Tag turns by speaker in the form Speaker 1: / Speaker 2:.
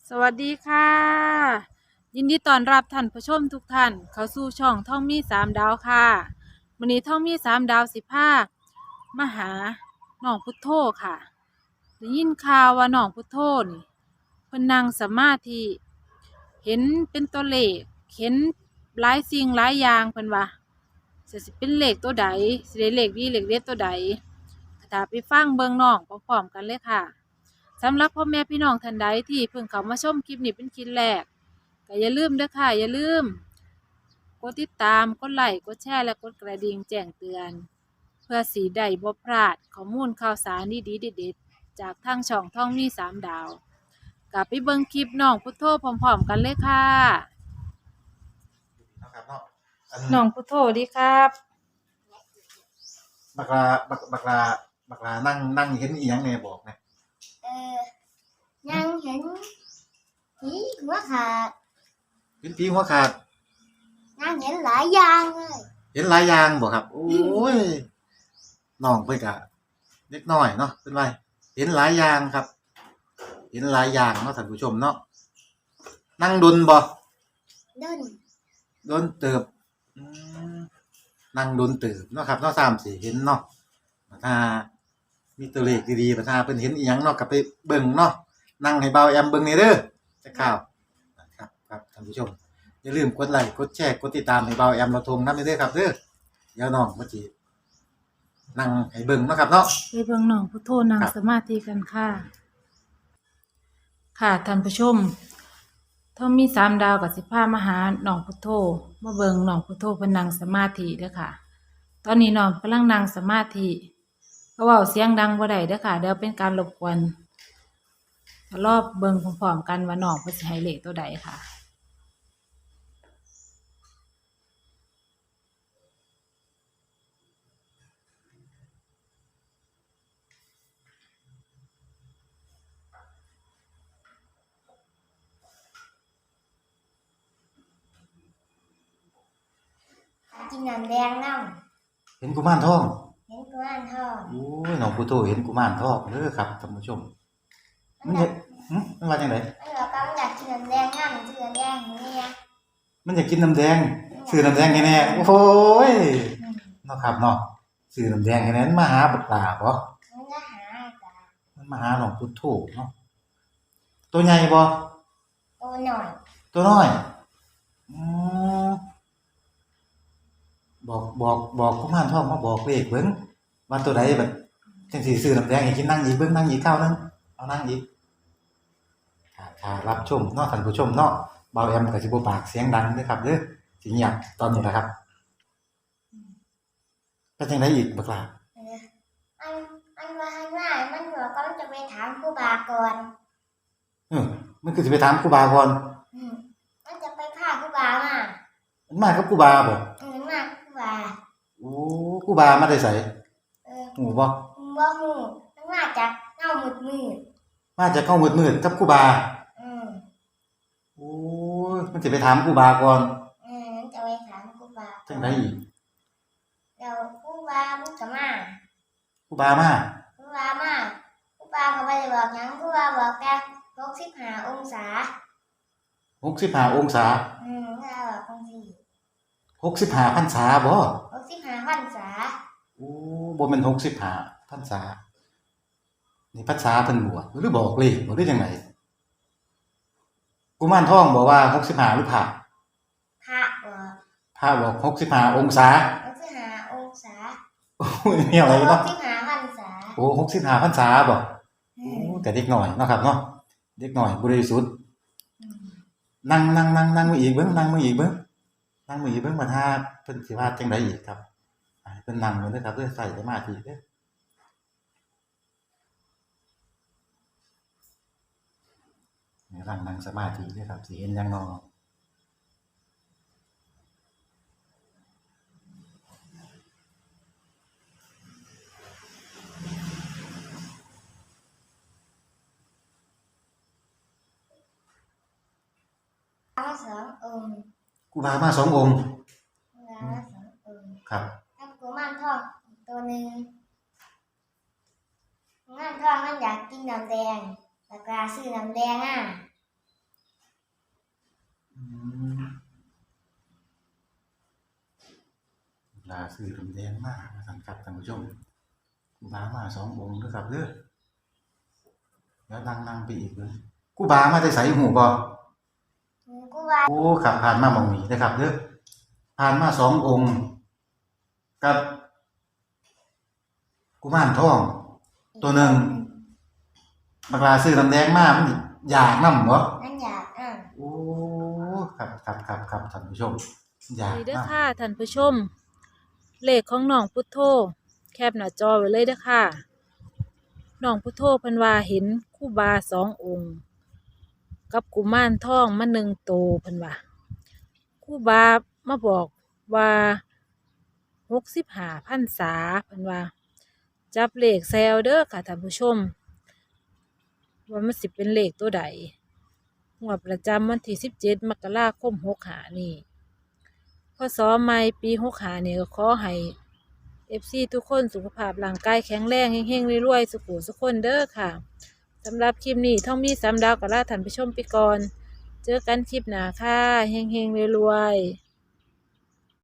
Speaker 1: สวัสดีค่ะยินดีต้อนรับท่านผู้ชมทุกท่านเข้าสู่ช่องท่องมีสามดาวค่ะวันนี้ท่องมีสามดาวมาหาน้องพุทโธค่ะได้ยินข่าวว่าน้องพุทโธนี่เพิ่นนั่งสมาธิเห็นเป็นตัวเลขเห็นหลายสิ่งหลายอย่างเพิ่นว่าสิเป็นเลขตัวใดสิได้เลขดีเลขเด็ดตัวใดถ้าไปฟังเบิ่งน้องพร้อมๆกันเลยค่ะ สำหรับพ่อแม่พี่น้องท่านใดที่เพิ่งเข้ามาชมคลิปนี้เป็นคลิปแรกก็อย่าลืมเด้อค่ะอย่าลืมกดติดตามกดไลค์กดแชร์และกดกระดิ่งแจ้งเตือนเพื่อสีได้บ่พลาดข้อมูลข่าวสารดีๆเด็ดๆจากทางช่องท่องมีสามดาวกลับไปเบิ่งคลิปน้องพุทโธพร้อมๆกันเลยค่ะ
Speaker 2: นะครับเนาะอัน
Speaker 1: น้องพุทโธดีครับ
Speaker 2: บักลาบักลานั่งเห็นอีหยังแหน่บอกนะ
Speaker 3: เออยังเห็นผีหัวขาด
Speaker 2: เห็นผีหัวขาด
Speaker 3: ยังเห็นหลายอย่างเลย
Speaker 2: เห็นหลายอย่างบ่ครับโอ้ยน้องเพิ่นก็เล็กน้อยเนาะเพิ่นว่าเห็นหลายอย่างครับ เห็นหลายอย่างเนาะท่านผู้ชมเนาะนั่งดนบ่
Speaker 3: ด้น
Speaker 2: ดนเติบอืมนั่งดนเติบเนาะครับเนาะ3-4เห็นเนาะถ้ามีตัวเลขดีๆถ้าเพิ่นเห็นอีหยังเนาะก็ไปเบิ่งเนาะนั่งให้เบาแอมเบิ่งนี่เด้อจักข่าวครับท่านผู้ชมอย่าลืมกดไลค์กดแชร์กดติดตามให้เบาแอมเราทงนำเด้อครับเด้อเดี๋ยวน้องมาจีนั่งให้เบิ่งเนาะครับเนาะ
Speaker 1: ไปเบิ่งน้องพุทโธนั่งสมาธิกันค่ะค่ะท่านผู้ชมท่องมีสามดาวกับพามาหาน้องพุทโธมาเบิ่งน้องพุทโธเพิ่นนั่งสมาธิเด้อค่ะตอนนี้น้องกำลังนั่งสมาธิก็เว้าเสียงดังบ่ได้เด้อค่ะเดี๋ยวเป็นการรบกวนรอบเบิ่งพร้อมๆกันว่าน้องเพิ่นสิให้เลขตัวใดค่ะ
Speaker 3: กินน้ำแดงน้
Speaker 2: เห็นกุมารทอง
Speaker 3: ำเห็นกุมารทอง
Speaker 2: โอ้ยน้องพุทโธเห็นกุมารทองเด้อครับท่านผู้ชมมันจะมันว่าจังได๋
Speaker 3: มันบอกว่ามันอยากกินน้ำแดงน้ำชื่อน้ำแดงอย่างเนี่ย
Speaker 2: มันอยากกินน้ำแดงซื้อน้ำแดงให้แน่โอ้ยเนาะครับเนาะซื้อน้ำแดงให้แน่มันมาหาบักหลาบ่
Speaker 3: มันจะหาจ้ะ
Speaker 2: มันมาหาน้องพุทโธเนาะตัวใหญ่บ่
Speaker 3: ตัวหน่อย
Speaker 2: ตัวน้อยอืมบอกกุมารทองมาบอกเลขเบิ่งว่าตัวใดแบบจังสิซื้อน้ำแดงให้กินนั่งอีกเบิ่งนั่งอีกคราวนึงเอานั่งอีกถ้ารับชมเนาะท่านผู้ชมเนาะเบาแอมก็สิบ่ปากเสียงดังเด้อครับเด้อสิเงียบตอนนี้ล่ะครับเป็นจังไดอีกบักล่ะ
Speaker 3: เอออันอันว่าข้างหน้ามันบอกว่ามันจะไปถามครูบาก่อน
Speaker 2: เออมันคือสิไปถามครูบาก่อน
Speaker 3: อืมมันจะไปพาครูบามา
Speaker 2: มันมากับครูบาบ่
Speaker 3: มาครูบา
Speaker 2: โอ้ครูบามาแต่ไสฮู้บ่
Speaker 3: บ่ฮู้มันมาจากเงามืด
Speaker 2: มาจากเก้ามืดๆกับครูบาโอ้ยมันสิไปถามครูบาก่อน
Speaker 3: มันจะไปถามครูบา
Speaker 2: จังไดอีก
Speaker 3: แล้วครูบามันก็มา
Speaker 2: ครูบามา
Speaker 3: ครูบามาครูบาก็บ่ได้บอกหยังครูบาบอกแค่65องศา
Speaker 2: 65องศา
Speaker 3: ถ้าบอกจังซี่
Speaker 2: 65พรรษาบ่
Speaker 3: 65พรรษา
Speaker 2: โอ้บ่แม่น65พรรษานี่พรรษาเพิ่นบวชหรือบอกเลขบ่หรือจังไดกุมารทองบอกว่า65หรือพระ
Speaker 3: พระบอก
Speaker 2: พระบอก65องศา
Speaker 3: 65องศา
Speaker 2: โอ้ยแนวอะไรเนาะ
Speaker 3: 65พรรษา
Speaker 2: โอ้65พรรษาบ่โอ้แต่เด็กน้อยเนาะครับเนาะเด็กน้อยบริสุทธิ์นั่งมาอีกเบิ่งนั่งมาอีกเบิ่งนั่งมาอีกเบิ่งว่าถ้าเพิ่นสิว่าจังไดอีกครับให้เพิ่นนั่งอยู่เด้อครับเด้อใส่สมาธิเด้อนี่นั่งสมาธิเด้อครับสิเห็นหยังเนาะ
Speaker 3: 2องค์
Speaker 2: ครูบามา2องค์
Speaker 3: ครูบามา2องค์
Speaker 2: ครับ
Speaker 3: กับกุมารทองอีกตัวหนึ่งกุมารทองมันอยากกินน้ำแดงแล้วก็ซื้อน้ำแดง
Speaker 2: ซื้อน้ำแดงมาสั่นครับท่านผู้ชมครูบามา2 องค์เด้อครับเด้อแล้วนั่งไปอีกเลยครูบามาแต่ไสหูบ่
Speaker 3: กูว่า
Speaker 2: โอ้ครับผ่านมาหม่องนี้นะครับเด้อผ่านมา2 องค์กับกุมารทองตัวหนึ่งบักลาซื้อน้ำแดงมามันอยากนำบ่
Speaker 3: นั่นอยาก
Speaker 2: โอ้ครับท่านผู้ชมอยาก
Speaker 1: นี่เด้อ
Speaker 2: นํ
Speaker 1: ค่ะท่านผู้ชม เลขของน้องพุทโธแคปหน้าจอไว้เลยเด้อค่ะน้องพุทโธเพิ่นว่าเห็นครูบา2 องค์ กับกุมารทองมา1 โตวเพิ่นว่าครูบามาบอกว่า65 พรรษาเพิ่นว่า จับเลขแซวเด้อค่ะท่านผู้ชม ว่ามันสิเป็นเลขตัวใดงวดประจำวันที่17 มกราคม65นี่พศใหม่ปี65นี่ก็ขอให้ FC ทุกคนสุขภาพร่างกายแข็งแรงเฮงๆรวยๆสุขุสุขคนเด้อค่ะสำหรับคลิปนี้ท่องมี3 ดาวก็ลาท่านผู้ชมไปก่อน เจอกันคลิปหน้าค่ะเฮงๆรวยๆ